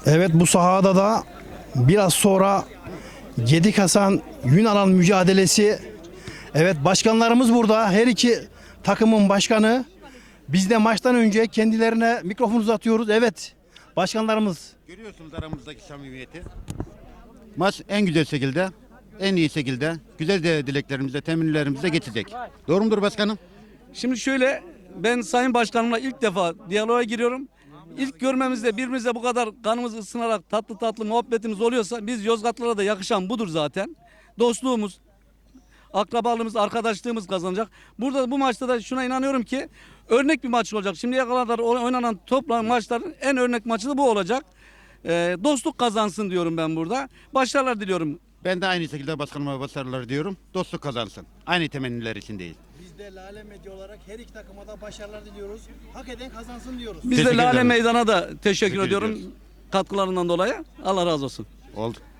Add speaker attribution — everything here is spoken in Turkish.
Speaker 1: Evet, bu sahada da biraz sonra Gedik Hasan Yunanan mücadelesi. Evet, başkanlarımız burada. Her iki takımın başkanı. Biz de maçtan önce kendilerine mikrofon uzatıyoruz. Evet, başkanlarımız.
Speaker 2: Görüyorsunuz aramızdaki samimiyeti. Maç en güzel şekilde, en iyi şekilde, güzel de dileklerimizle, temennilerimizle geçecek. Doğru mudur başkanım?
Speaker 3: Şimdi şöyle, ben Sayın Başkanımla ilk defa diyaloğa giriyorum. İlk görmemizde birbirimize bu kadar kanımız ısınarak tatlı tatlı muhabbetimiz oluyorsa biz Yozgatlılara da yakışan budur zaten. Dostluğumuz, akrabalığımız, arkadaşlığımız kazanacak. Burada bu maçta da şuna inanıyorum ki örnek bir maç olacak. Şimdiye kadar oynanan toplam maçların en örnek maçı da bu olacak. Dostluk kazansın diyorum ben burada. Başarılar diliyorum.
Speaker 2: Ben de aynı şekilde başkanıma başarılar diyorum. Dostluk kazansın. Aynı temenniler içindeyiz.
Speaker 1: Biz de Lale Medya olarak her iki takıma da başarılar diliyoruz. Hak eden kazansın diyoruz.
Speaker 3: Biz de
Speaker 2: Teşekkür
Speaker 3: Lale
Speaker 2: ederim.
Speaker 3: Meydan'a da teşekkür ediyorum
Speaker 2: ediyoruz.
Speaker 3: katkılarından dolayı. Allah razı olsun.
Speaker 2: Oldu.